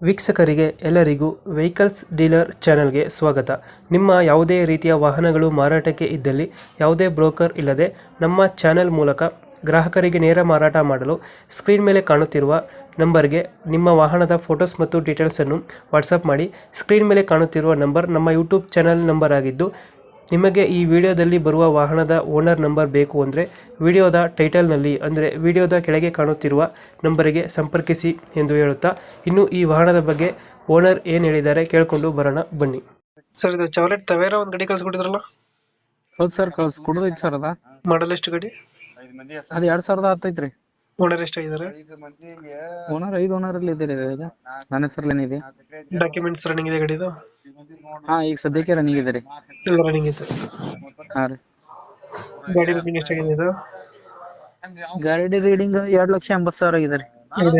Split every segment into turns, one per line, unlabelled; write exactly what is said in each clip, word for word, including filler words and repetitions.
ವೀಕ್ಷಕರಿಗೆ ಎಲ್ಲರಿಗೂ vehicles dealer ಚಾನೆಲ್ಗೆ ಸ್ವಾಗತ. ನಿಮ್ಮ ಯಾವುದೇ ರೀತಿಯ ವಾಹನಗಳು ಮಾರಾಟಕ್ಕೆ ಇದ್ದಲ್ಲಿ ಯಾವುದೇ ಬ್ರೋಕರ್ ಇಲ್ಲದೆ ನಮ್ಮ ಚಾನೆಲ್ ಮೂಲಕ ಗ್ರಾಹಕರಿಗೆ ನೇರ ಮಾರಾಟ ಮಾಡಲು ಸ್ಕ್ರೀನ್ ಮೇಲೆ ಕಾಣುತ್ತಿರುವ ನಂಬರ್ಗೆ ನಿಮ್ಮ ವಾಹನದ ಫೋಟೋಸ್ ಮತ್ತು ಡೀಟೇಲ್ಸನ್ನು ವಾಟ್ಸಪ್ ಮಾಡಿ. ಸ್ಕ್ರೀನ್ ಮೇಲೆ ಕಾಣುತ್ತಿರುವ ನಂಬರ್ ನಮ್ಮ ಯೂಟ್ಯೂಬ್ ಚಾನೆಲ್ ನಂಬರ್ ಆಗಿದ್ದು, ನಿಮಗೆ ಈ ವಿಡಿಯೋದಲ್ಲಿ ಬರುವ ವಾಹನದ ಓನರ್ ನಂಬರ್ ಬೇಕು ಅಂದರೆ ವಿಡಿಯೋದ ಟೈಟಲ್ನಲ್ಲಿ ಅಂದರೆ ವಿಡಿಯೋದ ಕೆಳಗೆ ಕಾಣುತ್ತಿರುವ ನಂಬರಿಗೆ ಸಂಪರ್ಕಿಸಿ ಎಂದು ಹೇಳುತ್ತಾ, ಇನ್ನು ಈ ವಾಹನದ ಬಗ್ಗೆ ಓನರ್ ಏನು ಹೇಳಿದ್ದಾರೆ ಕೇಳಿಕೊಂಡು ಬರೋಣ ಬನ್ನಿ. ಸರ್, ಇದು ಚಾವ್ಲೆಟ್ ತವೇರಾ ಒಂದು ಗಾಡಿ ಕಳ್ಸಿಕೊಟ್ಟಿದ್ರಲ್ಲ?
ಹೌದು ಸರ್, ಕಳ್ಸಿ ಕೊಡೋದೈತಿ ಸರ್. ಅದ
ಮಾಡಲ್ ಎಷ್ಟು ಗಾಡಿ?
ಅದು ಎರಡ್ ಸಾವಿರದ ಹತ್ತೈತ್ರಿ.
ಓನರ್ ಎಷ್ಟಾಗಿದ್ದಾರೆ?
ಓನರ್ ಐದು ಓನರ್ ಅಲ್ಲಿ ಇದೆ ರೀ. ಇದು ನನ್ನ ಹೆಸರಲ್ಲಿ ಇದೆ.
ಡಾಕ್ಯುಮೆಂಟ್ಸ್ ರನ್ನಿಂಗ್ ಇದೆ ಗಾಡಿದು?
ಹಾ, ಈಗ ಸದ್ಯಕ್ಕೆ ರನ್ನಿಂಗ್ ಇದೆ ರೀ.
ಎಲ್ಲ ರನ್ನಿಂಗ್ ಇದೆ.
ಹಾ ರೀ.
ಗಾಡಿ ರನ್ನಿಂಗ್ ಎಷ್ಟಾಗಿದೆ ಇದು?
ಗಾಡಿ ರೀಡಿಂಗ್ ಎರಡ್ ಲಕ್ಷ ಎಂಬತ್ತು ಸಾವಿರ ಆಗಿದೆ ರೀ.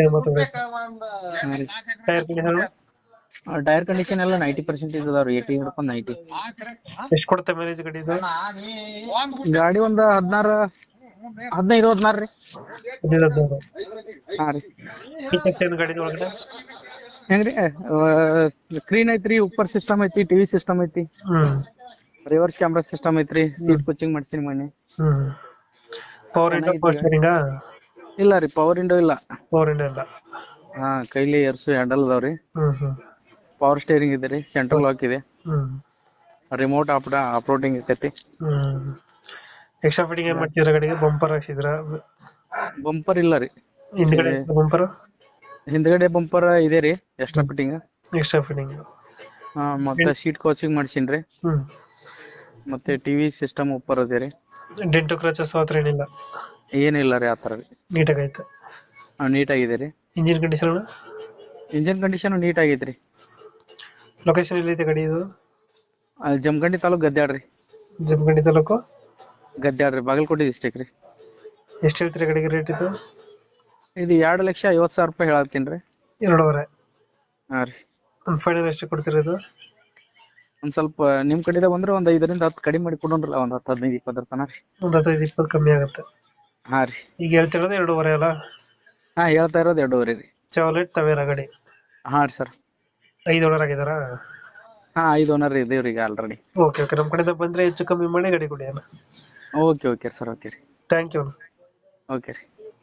ಹಾ ರೀ.
Tyre condition?
ಟೈರ್ ಕಂಡೀಷನ್ ಎಲ್ಲ ನೈಂಟಿ ಪರ್ಸೆಂಟೇಜ್ ಅದಾವ ರೀ. ಏಟಿ ಹಿಡ್ಕೊಂಡು ನೈಂಟಿ.
ಎಷ್ಟು ಕೊಡುತ್ತೆ ಮೈಲೇಜ್ ಗಾಡಿ ಇದು?
ಗಾಡಿ ಒಂದು ಹದಿನಾರು ಹದಿನೈದು ಹದಿನಾರು ರೀ. ಹಾ ರೀ.
ಫೀಚರ್ಸ್ ಏನು ಗಾಡಿ ಒಳಗಡೆ?
ಹೆಂಗ್ರಿ, ಸ್ಕ್ರೀನ್ ಐತ್ರಿ, ಉಪ್ಪರ್ ಸಿಸ್ಟಮ್ ಐತಿ, ಟಿವಿ ಸಿಸ್ಟಮ್ ಐತಿ,
ಹ್ಮ್
ರಿವರ್ಸ್ ಕ್ಯಾಮ್ರಾ ಸಿಸ್ಟಮ್ ಐತ್ರಿ, ಸೀಟ್ ಕೋಚಿಂಗ್ ಮಾಡ್ಸಿನಿ ಮೊನ್ನೆ.
ಹ್ಮ್ ಪವರ್ ಇಂಡೋ ಪವರ್ ಸ್ಟೀರಿಂಗ್?
ಇಲ್ಲ ರೀ, ಪವರ್ ವಿಂಡೋ ಇಲ್ಲ.
ಪವರ್ ಇಂಡೋ ಇಲ್ಲ.
ಹಾ, ಕೈಲಿ ಎರ್ಸು ಹ್ಯಾಂಡಲ್ ಅದಾವ್ರಿ.
ಹ್ಮ್ ಹ್ಮ್
ಪವರ್ ಸ್ಟೇರಿಂಗ್ ಇದೆ ರೀ, ಸೆಂಟ್ರಲ್ ಲಾಕ್ ಇದೆ,
ಹ್ಮ್
ರಿಮೋಟ್ ಆಪ್ ಆಪ್ರೋಟಿಂಗ್ ಇರ್ತೈತಿ.
ಹ್ಮ್ ಎಕ್ಸ್ಟ್ರಾ ಫಿಟ್ಟಿಂಗ್ ಏನ್ ಮಾಡ್ತಿದ್ರ ಗಾಡಿಗೆ? ಬಂಪರ್ ಹಾಕ್ಸಿದ್ರ?
ಬಂಪರ್ ಇಲ್ಲ ರೀ.
ಹಿಂದ್ಗಡೆ ಬಂಪರ್?
ಹಿಂದ್ಗಡೆ ಬಂಪರ್ ಇದೆ ರೀ, ಎಕ್ಸ್ಟ್ರಾ ಫಿಟ್ಟಿಂಗ್.
Extra fitting.
ಹಾ, ಮತ್ತೆ ಸೀಟ್ ಕೋಚಿಂಗ್ ಮಾಡ್ಸಿನ್ರಿ.
ಹ್ಮ್
ಮತ್ತೆ ಟಿವಿ ಸಿಸ್ಟಮ್ ಉಪ್ಪರ್ ಅದೇ ರೀ.
ಡೆಂಟು ಕ್ರಚಸ್ ಹತ್ರ ಏನಿಲ್ಲ?
ಏನಿಲ್ಲ ರೀ ಆತರ ರೀ.
ನೀಟಾಗಿ ಐತೆ?
ನೀಟ್ ಆಗಿದೆ ರೀ.
Engine condition?
Engine condition neat ಆಗೈತೆ ರೀ.
ಲೊಕೇಶನ್ ಎಲ್ಲಿದೆ ಗಾಡಿ ಇದು?
ಅಲ್ಲಿ ಜಮಖಂಡಿ ತಾಲೂಕ್ ಗದ್ಯಾಡ್ ರೀ.
ಜಮಖಂಡಿ ತಾಲೂಕು
ಗದ್ಯಾಡ್ ರೀ, ಬಾಗಲಕೋಟೆ ಡಿಸ್ಟಿಕ್ ರೀ.
ಎಷ್ಟು ಹೇಳ್ತೀರಿ ಗಾಡಿಗೆ ರೇಟ್ ಇದು?
ಇದು ಎರಡು ಲಕ್ಷ ಐವತ್ತು ಸಾವಿರ ರೂಪಾಯಿ ಹೇಳತ್ತೀನಿ ರೀ.
ಎರಡೂವರೆ?
ಹಾ ರೀ.
ಒಂದು ಫೈನಲ್ ಎಷ್ಟು ಕೊಡ್ತೀರಿ ಇದು?
ಒಂದ್ ಸ್ವಲ್ಪ ನಿಮ್ ಕಡೆಯಿಂದ ಬಂದ್ರೆ ಒಂದ್ ಐದರಿಂದ ಹತ್ತು ಕಡಿಮೆ ಮಾಡಿ ಕೊಡೋಣ್ರಲ್ಲ, ಒಂದ್ ಹತ್ತು ಹದಿನೈದು ಇಪ್ಪತ್ತರ ತನಕ ರೀ.
ಒಂದು ಹದಿನೈದು ಇಪ್ಪತ್ತು ಕಮ್ಮಿ ಆಗುತ್ತೆ?
ಹಾ ರೀ.
ಈಗ ಹೇಳ್ತಿರೋದು ಎರಡೂವರೆ ಅಲ್ಲ?
ಹಾ, ಹೇಳ್ತಾ ಇರೋದು ಎರಡೂವರೆ ರೀ.
ಚಾವ್ಲೆಟ್ ತವೇರಾ ಗಾಡಿ?
ಹಾ ರೀ ಸರ್.
ಐದು ಓನರ್ ಆಗಿದಾರಾ?
ಹಾ, ಐದು ಓನರ್ ಇದೇವ್ರಿ ಈಗ ಆಲ್ರೆಡಿ.
ಓಕೆ ಓಕೆ ನಮ್ಮ ಕಡೆಯಿಂದ ಬಂದ್ರೆ ಹೆಚ್ಚು ಕಮ್ಮಿ ಮಾಡಿ ಗಾಡಿ ಕೊಡಿ ಅಣ್ಣ.
Okay okay sir. ಓಕೆ ರೀ.
Thank you.
ಓಕೆ ರೀ.